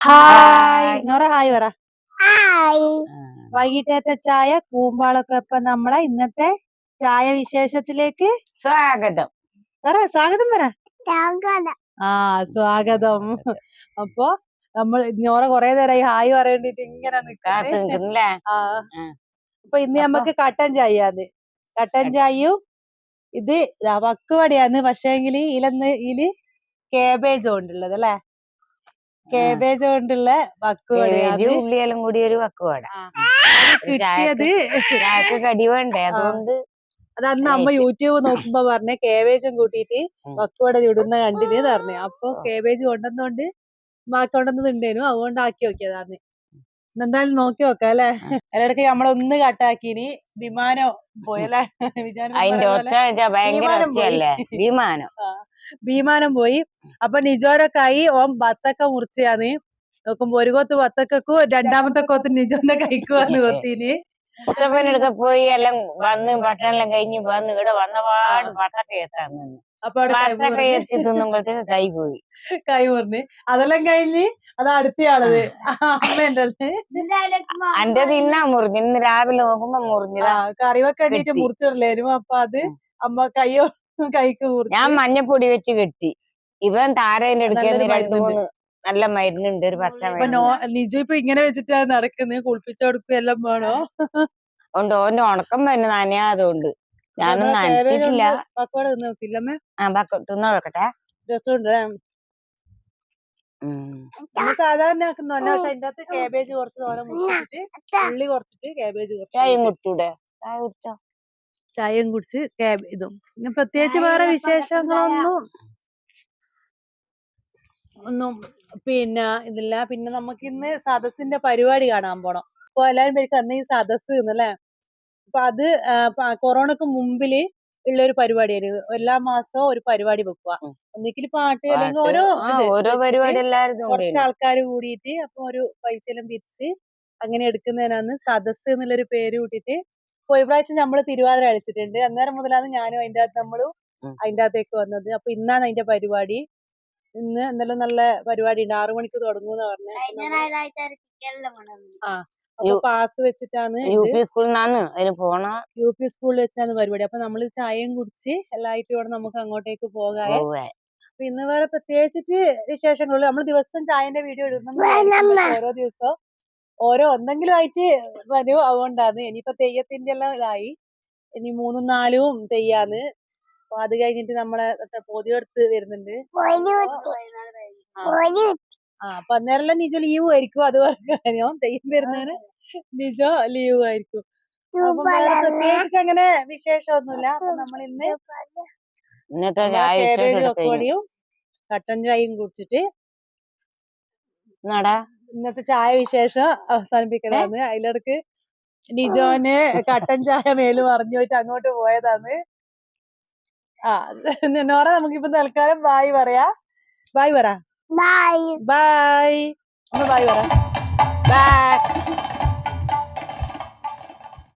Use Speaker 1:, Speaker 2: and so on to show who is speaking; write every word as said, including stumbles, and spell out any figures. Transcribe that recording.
Speaker 1: Hi Nora hi പറ.
Speaker 2: Hi.
Speaker 1: വൈകിട്ടത്തെ ചായ കൂമ്പാളൊക്കെ ഇപ്പം നമ്മളെ ഇന്നത്തെ ചായ വിശേഷത്തിലേക്ക്
Speaker 2: സ്വാഗതം.
Speaker 1: പറ സ്വാഗതം പറ.
Speaker 2: സ്വാഗതം.
Speaker 1: ആ സ്വാഗതം. അപ്പൊ നമ്മൾ നോറ കൊറേ നേരമായി ഹായ് പറയേണ്ടിട്ട് ഇങ്ങനെ നിൽക്കുന്നേ. ആ അപ്പൊ ഇന്ന് നമ്മക്ക് കട്ടൻ ചായയാന്ന്. കട്ടൻ ചായയും ഇത് വക്കുവടയാന്ന്. പക്ഷേങ്കില് ഇതിലൊന്ന് ഇതില് കേബേജ് കൊണ്ടുള്ളത് അല്ലേ? കേബേജ് കൊണ്ടുള്ള വക്കുവടയാണ്.
Speaker 2: ഉള്ളിയെല്ലാം കൂടി ഒരു വക്കുവട
Speaker 1: കിട്ടിയത്.
Speaker 2: കടി വേണ്ടേ, അതുകൊണ്ട്
Speaker 1: അതന്ന് അമ്മ യൂട്യൂബ് നോക്കുമ്പോ പറഞ്ഞ കേബേജും കൂട്ടിയിട്ട് വക്കുവട ചുടുന്ന കണ്ടിന് പറഞ്ഞു. അപ്പൊ കേബേജ് കൊണ്ടുവന്നോണ്ട് കൊണ്ടുവന്നതുണ്ടേനു, അതുകൊണ്ട് ആക്കി നോക്കിയതാന്ന്. എന്തായാലും നോക്കി നോക്കാം അല്ലെ. അതിനിടയ്ക്ക് നമ്മളൊന്ന് കട്ടാക്കിനി. വിമാനം പോയല്ലേ?
Speaker 2: വിമാനം
Speaker 1: വിമാനം പോയി. അപ്പൊ നിജോന്റെ കൈ ഓൻ ബത്തക്ക മുറിച്ചാന്ന് നോക്കുമ്പോ ഒരു കൊത്ത് ബത്തക്കു രണ്ടാമത്തെ കൊത്ത് നിജോന്റെ കൈക്കുവാന്ന് കൊത്തിന്.
Speaker 2: മുത്തപ്പനടുക്ക പോയി എല്ലാം വന്ന് ഭക്ഷണം കഴിഞ്ഞ് വന്ന് ഇവിടെ വന്നപാട് ബത്തക്ക എത്താന്ന്. അപ്പൊ ബത്തക്ക എത്തി തിന്നുമ്പോഴത്തേക്ക് കൈ പോയി.
Speaker 1: കൈ മുറിഞ്ഞ് അതെല്ലാം കഴിഞ്ഞ് അത് അടുത്തയാളത് അമ്മേന്റെ അടുത്ത്
Speaker 2: എന്റെ തിന്നാ മുറിഞ്ഞു. ഇന്ന് രാവിലെ നോക്കുമ്പോ മുറിഞ്ഞതാ.
Speaker 1: കറിവൊക്കെ വേണ്ടിട്ട് മുറിച്ചിടലായിരുന്നു. അപ്പൊ അത് അമ്മ കൈയോ കൈക്ക് മുറിഞ്ഞു.
Speaker 2: ഞാൻ മഞ്ഞപ്പൊടി വെച്ച് കെട്ടി. ഇവൻ താരേന്റെ അടുക്കുന്ന രണ്ടു മൂന്ന് നല്ല മരുന്നുണ്ട്, ഒരു പച്ച മരുന്ന്.
Speaker 1: നിജു ഇപ്പൊ ഇങ്ങനെ വെച്ചിട്ടാ നടക്കുന്നത്. കുളിപ്പിച്ചു കൊടുക്കുക എല്ലാം വേണോ?
Speaker 2: ഉണ്ട്. ഓന്റെ ഉണക്കം തന്നെ നനയാതുകൊണ്ട് ഞാനൊന്നും നനച്ചിട്ടില്ല.
Speaker 1: പക്കോട തിന്ന് നോക്കില്ലമ്മേ?
Speaker 2: ആ തിന്നു നോക്കട്ടെ.
Speaker 1: രസമുണ്ട്. സാധാരണ ആക്കുന്നല്ല, പക്ഷെ അതിന്റെ അകത്ത് കാബേജ് കുറച്ച് തോനെ മുറിച്ചിട്ട് ഉള്ളി കുറച്ചിട്ട് കാബേജ് കുറച്ച്.
Speaker 2: ചായയും കുടിച്ചൂടെ? ചായ കുടിച്ചോ?
Speaker 1: ചായയും കുടിച്ച് ഇതും. പിന്നെ പ്രത്യേകിച്ച് വേറെ വിശേഷങ്ങളൊന്നും ഒന്നും പിന്നെ ഇതില്ല. പിന്നെ നമുക്ക് ഇന്ന് സദസ്സിന്റെ പരിപാടി കാണാൻ പോണം. അപ്പൊ എല്ലാരും പേർക്ക് അന്ന് ഈ സദസ് എന്നല്ലേ. അപ്പൊ അത് കൊറോണക്ക് മുമ്പില് ഉള്ള ഒരു പരിപാടിയായിരുന്നു. എല്ലാ മാസവും ഒരു പരിപാടി വെക്കുക. ഒന്നിക്കിൽ പാട്ട് അല്ലെങ്കിൽ ഓരോ
Speaker 2: ഓരോ പരിപാടി
Speaker 1: കുറച്ച് ആൾക്കാർ കൂടിയിട്ട് അപ്പൊ ഒരു പൈസ എല്ലാം പിരിച്ച് അങ്ങനെ എടുക്കുന്നതിനാണ് സദസ് എന്നുള്ളൊരു പേര് കൂട്ടിയിട്ട്. ഇപ്പൊ ഒരു പ്രാവശ്യം നമ്മള് തിരുവാതിര കളിച്ചിട്ടുണ്ട്. അന്നേരം മുതലാണ് ഞാനും അതിന്റെ അകത്ത് നമ്മളും അതിന്റെ അകത്തേക്ക് വന്നത്. അപ്പൊ ഇന്നാണ് അതിന്റെ പരിപാടി. ഇന്ന് എന്തെല്ലാം നല്ല പരിപാടി ഉണ്ട്. ആറു മണിക്ക് തുടങ്ങുന്ന പറഞ്ഞ. ആ അപ്പൊ പാസ് വെച്ചിട്ടാണ്
Speaker 2: യു പി സ്കൂളിൽ
Speaker 1: യു പി സ്കൂളിൽ വെച്ചിട്ടാണ് പരിപാടി. അപ്പൊ നമ്മള് ചായയും കുടിച്ച് എല്ലായിട്ടും ഇവിടെ നമുക്ക് അങ്ങോട്ടേക്ക് പോകാതെ. അപ്പൊ ഇന്ന് വേറെ പ്രത്യേകിച്ചിട്ട് വിശേഷങ്ങളുള്ളൂ. നമ്മൾ ദിവസം ചായന്റെ വീഡിയോ ഇടുന്ന ഓരോ ദിവസവും ഓരോ എന്തെങ്കിലും ആയിട്ട് വരും. അതുകൊണ്ടാണ്. ഇനിയിപ്പോ തെയ്യത്തിന്റെ എല്ലാം ഇതായി. ഇനി മൂന്നും നാലും തെയ്യാന്ന്. അപ്പൊ അത് കഴിഞ്ഞിട്ട് നമ്മളെ പൊതിയെടുത്ത് വരുന്നുണ്ട്. ആ അപ്പൊ അന്നേരം നിജോ ലീവ് ആയിരിക്കും. അത് പറഞ്ഞോ തെയ്യം വരുന്നതിന് നിജോ ലീവ് ആയിരിക്കും. അപ്പൊ പ്രത്യേകിച്ചിട്ട് അങ്ങനെ വിശേഷമൊന്നുമില്ല. അപ്പൊ നമ്മൾ ഇന്ന് കേബേജ് പക്കോടിയും കട്ടൻ ചായയും കുടിച്ചിട്ട് ഇന്നത്തെ ചായ വിശേഷം അവസാനിപ്പിക്കലാണ്. അതിലിടക്ക് നിജോന് കട്ടൻ ചായ മേല് പറഞ്ഞു പോയിട്ട് അങ്ങോട്ട് പോയതാണ്. ആ നോറ നമുക്കിപ്പോ തൽക്കാലം ബായ് പറയാ. ബായ് പറ.
Speaker 2: Bye
Speaker 1: bye. ഒന്ന് ബായ് പറ.
Speaker 2: ബായ്.